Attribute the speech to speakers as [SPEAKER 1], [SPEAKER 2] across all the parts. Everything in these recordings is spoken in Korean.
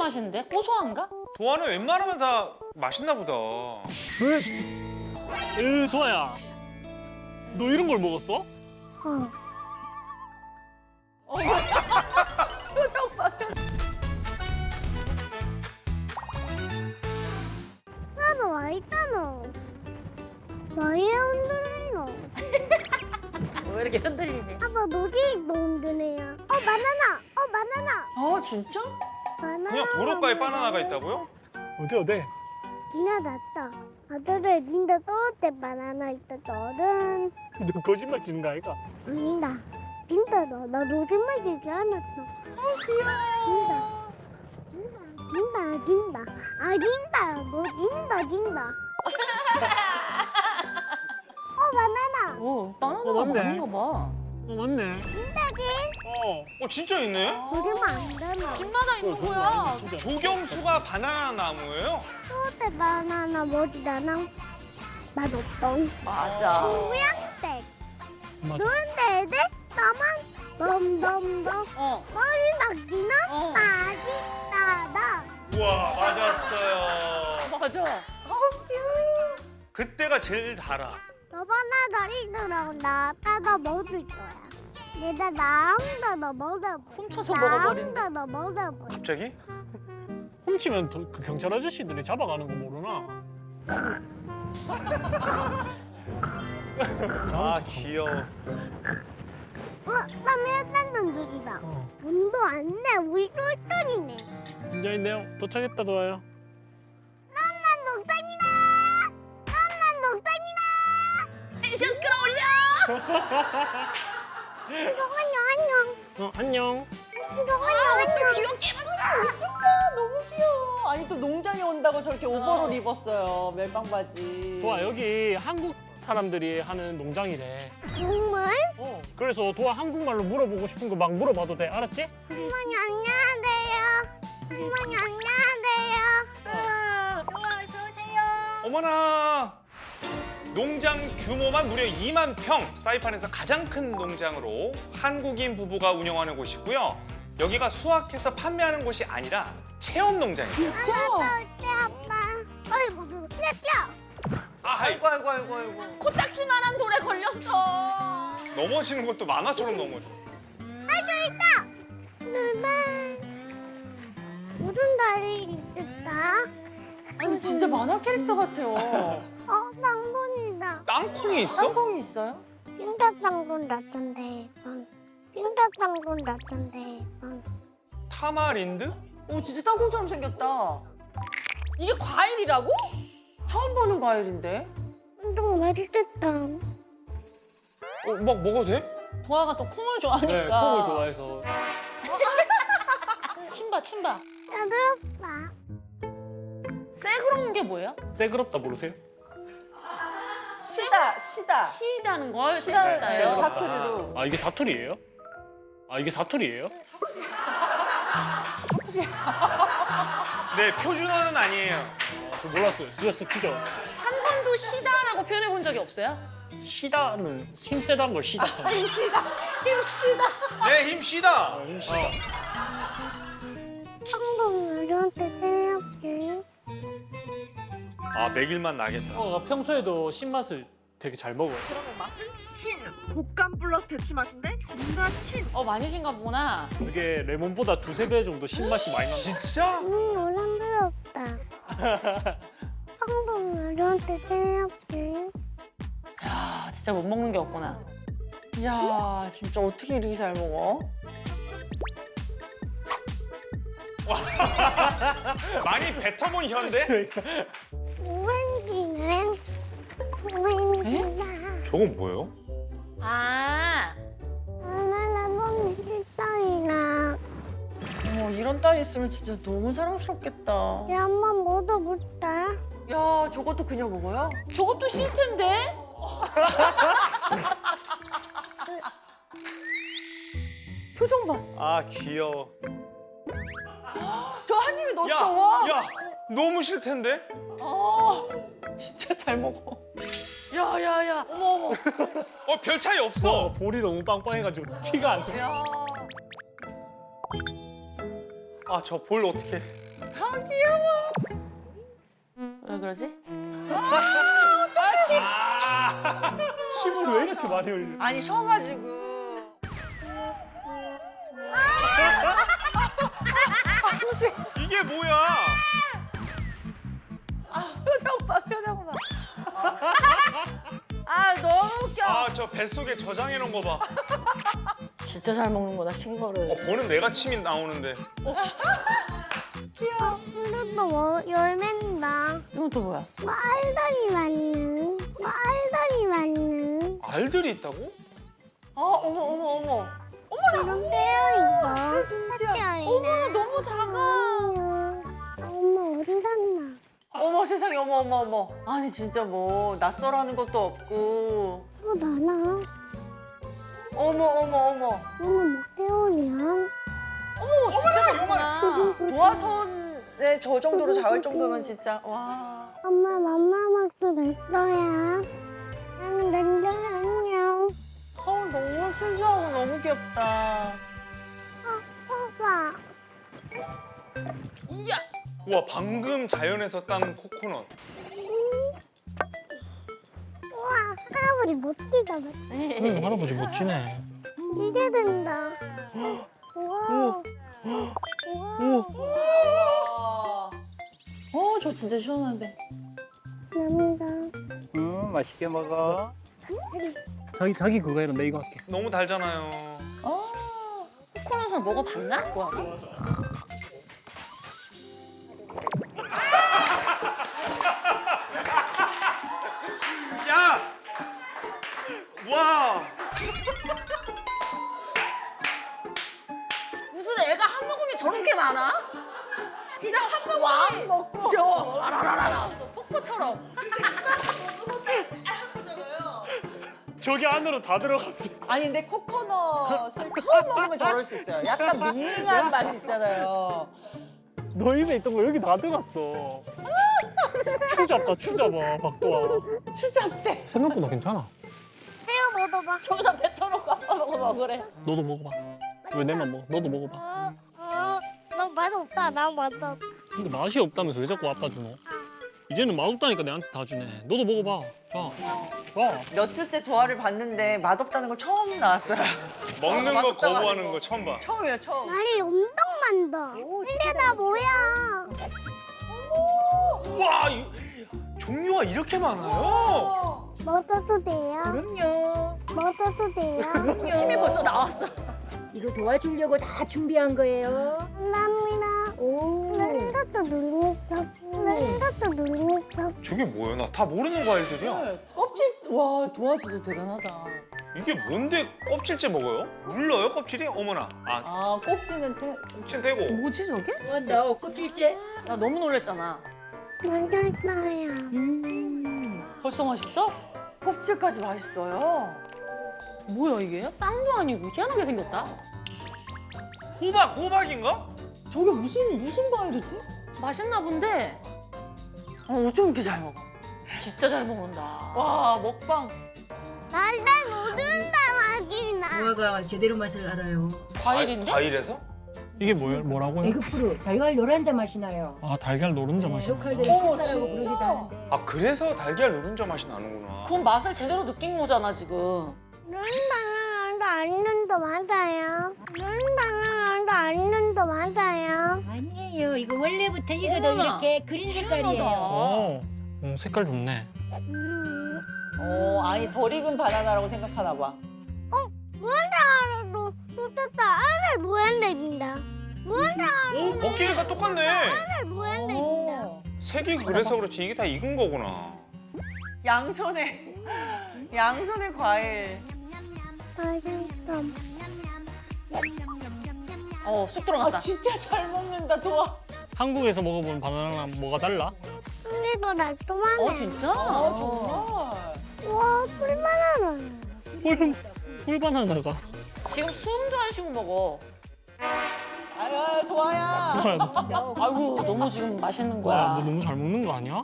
[SPEAKER 1] 맛있는데? 고소한가?
[SPEAKER 2] 도화는 웬만하면 다 맛있나 보다.
[SPEAKER 3] 도아야, 너 이런 걸 먹었어?
[SPEAKER 1] 표정 봐.
[SPEAKER 4] 나도 와 있잖아. 나의 흔들리노.
[SPEAKER 1] 왜 이렇게 흔들리니?
[SPEAKER 4] 아빠 너지 너 흔들리야. 바나나. 바나나.
[SPEAKER 5] 진짜?
[SPEAKER 4] 바나나.
[SPEAKER 2] 그냥 도로가에 바나나가 있다고요?
[SPEAKER 3] 어디?
[SPEAKER 4] 니나 났다. 아들에 닌다 또때 바나나 있다 너는.
[SPEAKER 3] 너 거짓말 치는 거 아이가?
[SPEAKER 4] 아니다. 진짜 나 거짓말 되지 않았어. 귀여워. 진다. 아 진다. 너 진다. 바나나.
[SPEAKER 1] 오, 바나나가
[SPEAKER 3] 맞네.
[SPEAKER 1] 많은가 봐.
[SPEAKER 3] 맞네.
[SPEAKER 4] 진짜지?
[SPEAKER 2] 진짜 있네?
[SPEAKER 4] 그러면 안 되나?
[SPEAKER 1] 집마다 있는 거야.
[SPEAKER 3] 진짜.
[SPEAKER 2] 조경수가 바나나 나무예요?
[SPEAKER 4] 또때 바나나 뭐지나랑 맛없던.
[SPEAKER 1] 맞아.
[SPEAKER 4] 모양색.
[SPEAKER 3] 맞아.
[SPEAKER 4] 그런데 애들 나만 덤덤덤 머리 막기나 맛있다다.
[SPEAKER 2] 우와, 맞았어요.
[SPEAKER 1] 맞아.
[SPEAKER 2] 그때가 제일 달아.
[SPEAKER 4] 너바나나 이들랑 나따다 먹을 거야. 내가 나한다 너 먹어봐.
[SPEAKER 1] 훔쳐서 먹어버린대.
[SPEAKER 4] 나한다 너 먹어봐.
[SPEAKER 2] 갑자기?
[SPEAKER 3] 훔치면 그 경찰 아저씨들이 잡아가는 거 모르나?
[SPEAKER 2] 아, 귀여워.
[SPEAKER 4] 땀이 딴던 소리다.
[SPEAKER 3] 어.
[SPEAKER 4] 돈도 안 내. 우리 똘똘이네.
[SPEAKER 3] 이제 있네요. 도착했다, 도아야.
[SPEAKER 4] 난 농담이다. 난 농담이다.
[SPEAKER 1] 텐션 끌어올려.
[SPEAKER 4] 안녕.
[SPEAKER 3] 안녕.
[SPEAKER 4] 안녕.
[SPEAKER 1] 귀엽게
[SPEAKER 5] 진짜 너무 귀여워. 아니 또 농장에 온다고 저렇게 오버롤 입었어요. 멜빵 바지.
[SPEAKER 3] 도아, 여기 한국 사람들이 하는 농장이래.
[SPEAKER 4] 정말?
[SPEAKER 3] 그래서 도아 한국말로 물어보고 싶은 거 막 물어봐도 돼. 알았지?
[SPEAKER 4] 어머니 안녕하세요. 어머니 안녕하세요. 어서 오세요.
[SPEAKER 2] 어머나! 농장 규모만 무려 2만 평, 사이판에서 가장 큰 농장으로 한국인 부부가 운영하는 곳이고요. 여기가 수확해서 판매하는 곳이 아니라 체험 농장이에요.
[SPEAKER 5] 진짜?
[SPEAKER 4] 내 아빠. 아이고 내 뼈.
[SPEAKER 2] 아이,
[SPEAKER 5] 아이고.
[SPEAKER 1] 코딱지만한 돌에 걸렸어.
[SPEAKER 2] 넘어지는 것도 만화처럼 넘어져.
[SPEAKER 4] 놀만. 무슨 달이 있을까?
[SPEAKER 5] 아니 진짜 만화 캐릭터 같아요.
[SPEAKER 4] 땅콩이다.
[SPEAKER 2] 땅콩이 있어?
[SPEAKER 5] 땅콩이 있어요?
[SPEAKER 4] pin다 땅콩 같은데. pin다 땅콩 같은데.
[SPEAKER 2] 타마린드?
[SPEAKER 5] 오 진짜 땅콩처럼 생겼다.
[SPEAKER 1] 이게 과일이라고?
[SPEAKER 5] 처음 보는 과일인데?
[SPEAKER 4] 좀 맛있겠다.
[SPEAKER 2] 막 먹어도 돼?
[SPEAKER 1] 도아가 또 콩을 좋아하니까.
[SPEAKER 3] 네, 콩을 좋아해서.
[SPEAKER 1] 침봐.
[SPEAKER 4] 야들었다.
[SPEAKER 1] 새그러운 게 뭐야?
[SPEAKER 3] 새그럽다 모르세요?
[SPEAKER 5] 시다.
[SPEAKER 1] 시다는 걸
[SPEAKER 5] 시다
[SPEAKER 1] 새그럽다요.
[SPEAKER 5] 사투리로.
[SPEAKER 3] 아, 이게 사투리예요?
[SPEAKER 2] 네, 표준어는 아니에요.
[SPEAKER 3] 저 몰랐어요. 스트레스 튀죠.
[SPEAKER 1] 한 번도 시다라고 표현해 본 적이 없어요?
[SPEAKER 3] 시다는 힘 세다는 걸 시다.
[SPEAKER 5] 힘시다.
[SPEAKER 2] 네, 힘씨다.
[SPEAKER 3] 힘시다.
[SPEAKER 4] 한국 어른한테 생각해.
[SPEAKER 2] 아, 먹일만 나겠다.
[SPEAKER 3] 평소에도 신맛을 되게 잘 먹어요.
[SPEAKER 6] 그러면 맛은 신. 곶감 플러스 대추 맛인데 존나 신.
[SPEAKER 1] 많이 신가 보구나.
[SPEAKER 3] 이게 레몬보다 두세 배 정도 신맛이 많이 나요.
[SPEAKER 2] 진짜?
[SPEAKER 4] 어른스럽다. 한국 어른한테 생각해.
[SPEAKER 1] 야, 진짜 못 먹는 게 없구나.
[SPEAKER 5] 이야 진짜 어떻게 이렇게 잘 먹어?
[SPEAKER 2] 많이 뱉어본 현대?
[SPEAKER 4] 우행기는 우행기다.
[SPEAKER 2] 저건 뭐예요?
[SPEAKER 1] 아,
[SPEAKER 4] 나 너무 싫다이나.
[SPEAKER 5] 어머 이런 딸 있으면 진짜 너무 사랑스럽겠다.
[SPEAKER 4] 얘 한번 먹어볼까?
[SPEAKER 5] 야 저것도 그냥 먹어요?
[SPEAKER 1] 저것도 싫 텐데? 표정 봐.
[SPEAKER 2] 아, 귀여워.
[SPEAKER 5] 저 한 입에 넣었어.
[SPEAKER 2] 야,
[SPEAKER 5] 와.
[SPEAKER 2] 야, 너무 싫텐데?
[SPEAKER 5] 진짜 잘 먹어.
[SPEAKER 1] 야야야. 어머.
[SPEAKER 2] 별 차이 없어.
[SPEAKER 3] 볼이 너무 빵빵해가지고 티가 안 나.
[SPEAKER 1] 야.
[SPEAKER 2] 아, 저 볼 어떡해.
[SPEAKER 1] 왜 그러지?
[SPEAKER 3] 침을 왜 이렇게 많이 흘려?
[SPEAKER 5] 아니 쉬어가지고.
[SPEAKER 2] 이게 뭐야?
[SPEAKER 1] 표정 봐, 표정 봐. 아, 너무 웃겨.
[SPEAKER 2] 아, 저 뱃속에 저장해 놓은 거 봐.
[SPEAKER 1] 진짜 잘 먹는구나, 신거를.
[SPEAKER 2] 보는 내가 침이 나오는데.
[SPEAKER 4] 귀여워. 근데 또 뭐, 열매인다.
[SPEAKER 1] 이건 또 뭐야?
[SPEAKER 4] 알들이 많는. 알들이 많는.
[SPEAKER 2] 알들이 있다고?
[SPEAKER 5] 어머 어머 어머.
[SPEAKER 4] 그런데요, 이거.
[SPEAKER 5] 진짜.
[SPEAKER 4] 어머,
[SPEAKER 1] 너무 작아.
[SPEAKER 4] 엄마 어디 샀나?
[SPEAKER 5] 어머 세상에 어머 어머 어머. 아니 진짜 뭐 낯설어하는 것도 없고.
[SPEAKER 4] 많아.
[SPEAKER 5] 어머 어머 어머.
[SPEAKER 4] 오늘 목대원이야.
[SPEAKER 1] 진짜 작구나.
[SPEAKER 5] 도화선에 저 정도로 작을 정도면 진짜 와.
[SPEAKER 4] 엄마 맘마막도 냈어요. 나는 냉정히 안녕.
[SPEAKER 5] 너무 순수하고 너무 귀엽다.
[SPEAKER 4] 오빠.
[SPEAKER 1] 이야.
[SPEAKER 2] 우와, 방금 자연에서 딴 코코넛.
[SPEAKER 4] 우와, 할아버지 멋지다.
[SPEAKER 3] 응, 할아버지 멋지네.
[SPEAKER 4] 이게 된다. 우와. 우와.
[SPEAKER 5] 저 진짜 시원한데.
[SPEAKER 4] 감사합니다.
[SPEAKER 3] 응, 맛있게 먹어. 자기 그거 해라. 내 이거 할게.
[SPEAKER 2] 너무 달잖아요.
[SPEAKER 1] 코코넛을 먹어봤나? 뭐야?
[SPEAKER 2] 야! 와!
[SPEAKER 1] 무슨 애가 한 모금이 저렇게 많아? 그냥 한 모금이
[SPEAKER 5] 왕 먹고.
[SPEAKER 1] 라라라라 폭포처럼.
[SPEAKER 3] 저기 안으로 다 들어갔어.
[SPEAKER 5] 아니 근데 코코넛을 처음 먹으면 저럴 수 있어요. 약간 밍밍한 맛이 있잖아요.
[SPEAKER 3] 너 입에 있던 거 여기 다 들어갔어. 추 잡다, 추 잡아, 박도아.
[SPEAKER 5] 추잡대.
[SPEAKER 3] 생각보다 괜찮아.
[SPEAKER 4] 떼어 먹어봐.
[SPEAKER 1] 저기다 뱉어놓고 아빠 먹어 먹으래.
[SPEAKER 3] 너도 먹어봐. 왜 내만 먹어? 너도 먹어봐.
[SPEAKER 4] 나 맛없다. 나 맛없다.
[SPEAKER 3] 근데 맛이 없다면서 왜 자꾸 아빠 주노? 이제는 맛없다니까 내한테 다 주네. 너도 먹어봐. 자, 자.
[SPEAKER 5] 몇 주째 도화를 봤는데 맛없다는 거 처음 나왔어요.
[SPEAKER 2] 먹는 거
[SPEAKER 5] 맛없다고
[SPEAKER 2] 거부하는
[SPEAKER 5] 하는
[SPEAKER 2] 거 처음 봐.
[SPEAKER 5] 처음이에요 처음.
[SPEAKER 4] 알이 엄청 많다. 이게 다 뭐야?
[SPEAKER 2] 우와! 종류가 이렇게 많아요?
[SPEAKER 4] 먹어도 돼요?
[SPEAKER 1] 그럼요.
[SPEAKER 4] 먹어도 돼요?
[SPEAKER 1] 침이 벌써 나왔어.
[SPEAKER 7] 이거 도와주려고 다 준비한 거예요.
[SPEAKER 4] 감사합니다. 랜더도 눌리죠. 랜더도 눌리죠.
[SPEAKER 2] 저게 뭐예요? 나 다 모르는 과일들이야.
[SPEAKER 5] 네, 껍질 와 도화 진짜 대단하다.
[SPEAKER 2] 이게 뭔데 껍질째 먹어요? 물러요, 껍질이? 어머나. 아,
[SPEAKER 5] 아 꼭지는
[SPEAKER 2] 껍질 떼고.
[SPEAKER 1] 뭐지 저게?
[SPEAKER 7] 너 껍질째.
[SPEAKER 1] 나 너무 놀랬잖아.
[SPEAKER 4] 맛있어요.
[SPEAKER 1] 벌써 맛있어?
[SPEAKER 5] 껍질까지 맛있어요.
[SPEAKER 1] 뭐야 이게? 빵도 아니고 희한하게 생겼다.
[SPEAKER 2] 호박인가?
[SPEAKER 5] 저게 무슨 과일이지?
[SPEAKER 1] 맛있나 본데
[SPEAKER 5] 어쩜 이렇게 잘 먹어?
[SPEAKER 1] 진짜 잘 먹는다.
[SPEAKER 5] 와 먹방.
[SPEAKER 4] 날날 모른다 맛이나.
[SPEAKER 7] 무화과 제대로 맛을 알아요.
[SPEAKER 1] 과일인데?
[SPEAKER 2] 과일에서?
[SPEAKER 3] 이게 뭐라고요?
[SPEAKER 7] 에그프루 달걀 노란자 맛이 나요.
[SPEAKER 3] 아, 달걀 노른자 맛이 나.
[SPEAKER 7] 로컬들이
[SPEAKER 5] 어머,
[SPEAKER 7] 콩가라고
[SPEAKER 5] 진짜?
[SPEAKER 7] 부르기도 하는데.
[SPEAKER 2] 아, 그래서 달걀 노른자 맛이 나는구나.
[SPEAKER 1] 그건 맛을 제대로 느낀 거잖아 지금.
[SPEAKER 4] 눈방울도 안는도 맞아요. 눈방울도 안는도 맞아요.
[SPEAKER 7] 아니에요. 이거 원래부터 이거도
[SPEAKER 1] 어머나.
[SPEAKER 7] 이렇게 그린 색깔이에요.
[SPEAKER 3] 어, 색깔 좋네.
[SPEAKER 5] 아니 덜 익은 바나나라고 생각하나 봐.
[SPEAKER 4] 무한대로 쏟았다. 안에 무한대진다. 무한대로
[SPEAKER 2] 오, 먹기가 똑같네.
[SPEAKER 4] 무한대진다.
[SPEAKER 2] 색이 그래서 그렇지. 이게 다 익은 거구나.
[SPEAKER 5] 양손에 과일.
[SPEAKER 4] 맛있어.
[SPEAKER 1] 쑥 들어갔다.
[SPEAKER 5] 진짜 잘 먹는다 도화.
[SPEAKER 3] 한국에서 먹어본 바나나랑 뭐가 달라?
[SPEAKER 4] 근데 더 날조만해.
[SPEAKER 1] 진짜?
[SPEAKER 5] 정말.
[SPEAKER 4] 와, 풀바나나.
[SPEAKER 3] 꿀바나나가.
[SPEAKER 1] 지금 숨도 안 쉬고 먹어.
[SPEAKER 5] 아유 도화야.
[SPEAKER 1] 아이고 너무 지금 맛있는
[SPEAKER 3] 와,
[SPEAKER 1] 거야.
[SPEAKER 3] 너 너무 잘 먹는 거 아니야?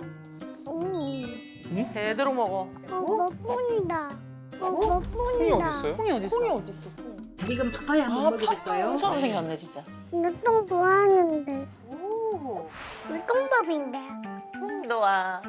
[SPEAKER 1] 제대로 먹어.
[SPEAKER 4] 너뿐이다.
[SPEAKER 2] 콩이
[SPEAKER 4] 너뿐이다.
[SPEAKER 2] 어딨어요?
[SPEAKER 1] 콩이 어디 있어?
[SPEAKER 5] 콩이 어딨어?
[SPEAKER 7] 지금 파파야 한번 먹여볼까요?
[SPEAKER 1] 콩처럼 생겼네 진짜.
[SPEAKER 4] 나똥 좋아하는데.
[SPEAKER 5] 오.
[SPEAKER 4] 콩밥인데.
[SPEAKER 1] 노아.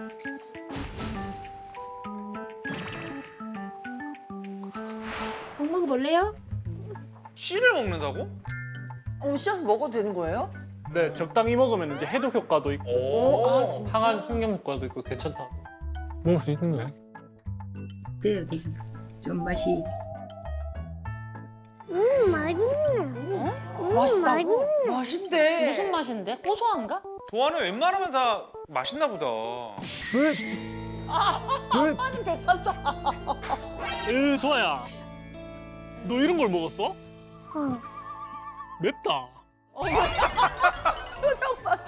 [SPEAKER 7] 꼭 먹어볼래요?
[SPEAKER 2] 씨를 먹는다고?
[SPEAKER 5] 씌어서 먹어도 되는 거예요?
[SPEAKER 3] 네, 적당히 먹으면 이제 해독 효과도 있고
[SPEAKER 2] 오.
[SPEAKER 3] 항암 항염 효과도 있고 괜찮다. 먹을 수 있는 거야?
[SPEAKER 7] 네, 여기 좀 맛이
[SPEAKER 4] 맛있네.
[SPEAKER 5] 맛있다고? 맛있대.
[SPEAKER 1] 무슨 맛인데? 고소한가?
[SPEAKER 2] 도아는 웬만하면 다 맛있나 보다.
[SPEAKER 5] 아빠는 뱉었어.
[SPEAKER 3] 도아야, 너 이런 걸 먹었어?
[SPEAKER 4] 어.
[SPEAKER 3] 맵다.
[SPEAKER 1] 표정 봐.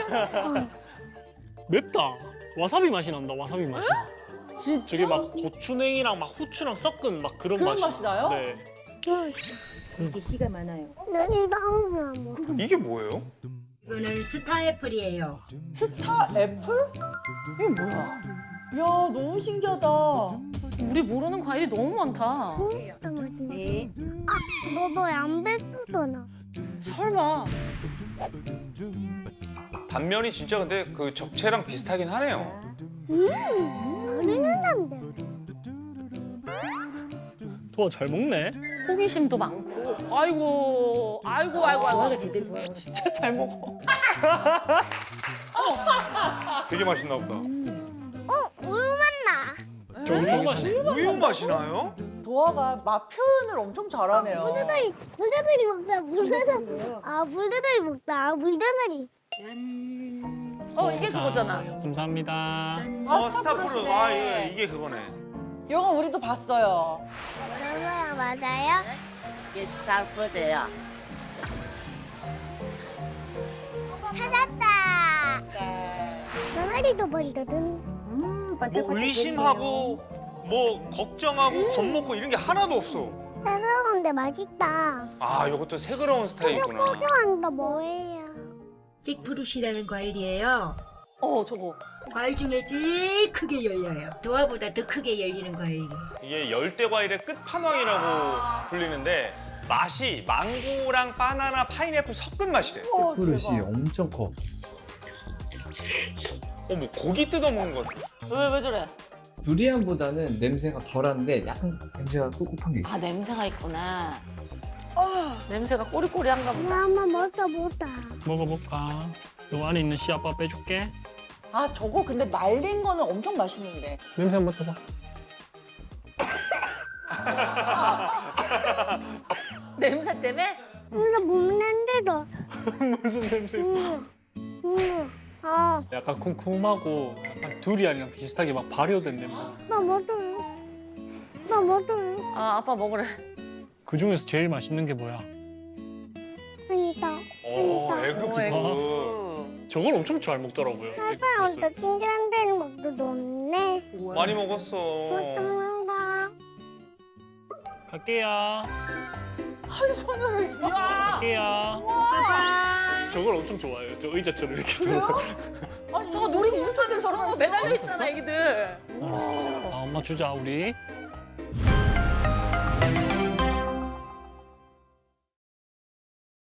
[SPEAKER 3] 맵다. 와사비 맛이 난다. 와사비 맛이.
[SPEAKER 5] 진짜?
[SPEAKER 3] 저게 막 고추냉이랑 막 후추랑 섞은 막 그런
[SPEAKER 5] 그런
[SPEAKER 3] 맛이.
[SPEAKER 5] 맛이 나요?
[SPEAKER 3] 네.
[SPEAKER 7] 이렇게 씨가 많아요.
[SPEAKER 4] 나 이거 하나 먹어.
[SPEAKER 2] 이게 뭐예요?
[SPEAKER 7] 이거는 스타 애플이에요.
[SPEAKER 5] 스타 애플?
[SPEAKER 1] 이게 뭐야?
[SPEAKER 5] 야, 너무 신기하다.
[SPEAKER 1] 우리 모르는 과일이 너무 많다.
[SPEAKER 4] 진짜 맛있네.
[SPEAKER 7] 네.
[SPEAKER 4] 너도 안 뱉었잖아.
[SPEAKER 5] 설마.
[SPEAKER 2] 단면이 진짜 근데 그 적채랑 비슷하긴 하네요.
[SPEAKER 4] 머리는 안 돼.
[SPEAKER 3] 도아 잘 먹네.
[SPEAKER 1] 호기심도 많고. 아이고, 아이고, 아이고,
[SPEAKER 7] 도아가
[SPEAKER 1] 아이고.
[SPEAKER 7] 제대로 좋아하는
[SPEAKER 5] 진짜 잘 먹어.
[SPEAKER 2] 되게 맛있나 보다.
[SPEAKER 4] 우유 맛나.
[SPEAKER 3] 좀 맛이.
[SPEAKER 2] 우유 맛이 나요?
[SPEAKER 5] 도아가 맛 표현을 엄청 잘하네요.
[SPEAKER 4] 물대들이 먹자. 물대들. 아 물대들이 먹자. 아 물대들이.
[SPEAKER 7] 짠.
[SPEAKER 1] 이게 그거잖아.
[SPEAKER 3] 감사합니다.
[SPEAKER 5] 아,
[SPEAKER 2] 스타프루.
[SPEAKER 5] 스타프루시네.
[SPEAKER 2] 아, 이게 그거네.
[SPEAKER 5] 이거 우리도 봤어요.
[SPEAKER 4] 저거야 맞아요?
[SPEAKER 1] 이게 스타푸드야.
[SPEAKER 4] 찾았다. 병아리도 보이거든.
[SPEAKER 2] 뭐
[SPEAKER 7] 반짝반짝
[SPEAKER 2] 의심하고 뭐 걱정하고 겁먹고 이런 게 하나도 없어.
[SPEAKER 4] 새로운데 맛있다.
[SPEAKER 2] 아, 이것도 새그러운 스타일이구나.
[SPEAKER 4] 소중한다 뭐예요?
[SPEAKER 7] 찍프루시라는 과일이에요.
[SPEAKER 1] 저거.
[SPEAKER 7] 과일 중에 제일 크게 열려요. 도아보다 더 크게 열리는 과일이에요.
[SPEAKER 2] 이게 열대 과일의 끝판왕이라고 불리는데 맛이 망고랑 바나나, 파인애플 섞은 맛이래.
[SPEAKER 8] 그릇이 엄청 커.
[SPEAKER 2] 뭐 고기 뜯어 먹는 것 같아.
[SPEAKER 1] 왜 저래?
[SPEAKER 8] 두리안보다는 냄새가 덜한데 약간 냄새가 꿉꿉한 게 있어.
[SPEAKER 1] 아, 냄새가 있구나. 냄새가 꼬리꼬리한가 보다.
[SPEAKER 4] 나 한번 먹어보자.
[SPEAKER 3] 먹어볼까? 요 안에 있는 씨 아빠 빼줄게.
[SPEAKER 5] 아, 저거 근데 말린 거는 엄청 맛있는데.
[SPEAKER 3] 냄새 한번 맡아봐.
[SPEAKER 1] 냄새 때문에?
[SPEAKER 4] 이거 먹는데도.
[SPEAKER 3] 무슨 냄새? 약간 쿰쿰하고 약간 두리안이랑 비슷하게 막 발효된 냄새.
[SPEAKER 4] 나 먹을래. 나 먹을래.
[SPEAKER 1] 아, 아빠 먹으래.
[SPEAKER 3] 그 중에서 제일 맛있는 게 뭐야?
[SPEAKER 4] 아니다.
[SPEAKER 2] 에그피클.
[SPEAKER 3] 저걸 엄청 잘 먹더라고요.
[SPEAKER 4] 아빠 혼자 친절한 데는 먹도 높네.
[SPEAKER 2] 많이 먹었어.
[SPEAKER 4] 먹다.
[SPEAKER 3] 갈게요.
[SPEAKER 5] 한 손으로.
[SPEAKER 1] 이야!
[SPEAKER 3] 갈게요. 저걸 엄청 좋아해요. 저 의자처럼 이렇게 들어서.
[SPEAKER 5] 아니,
[SPEAKER 1] 저거 놀이공원들 저런 거 매달려 있잖아, 애기들.
[SPEAKER 3] 아, 엄마 주자 우리.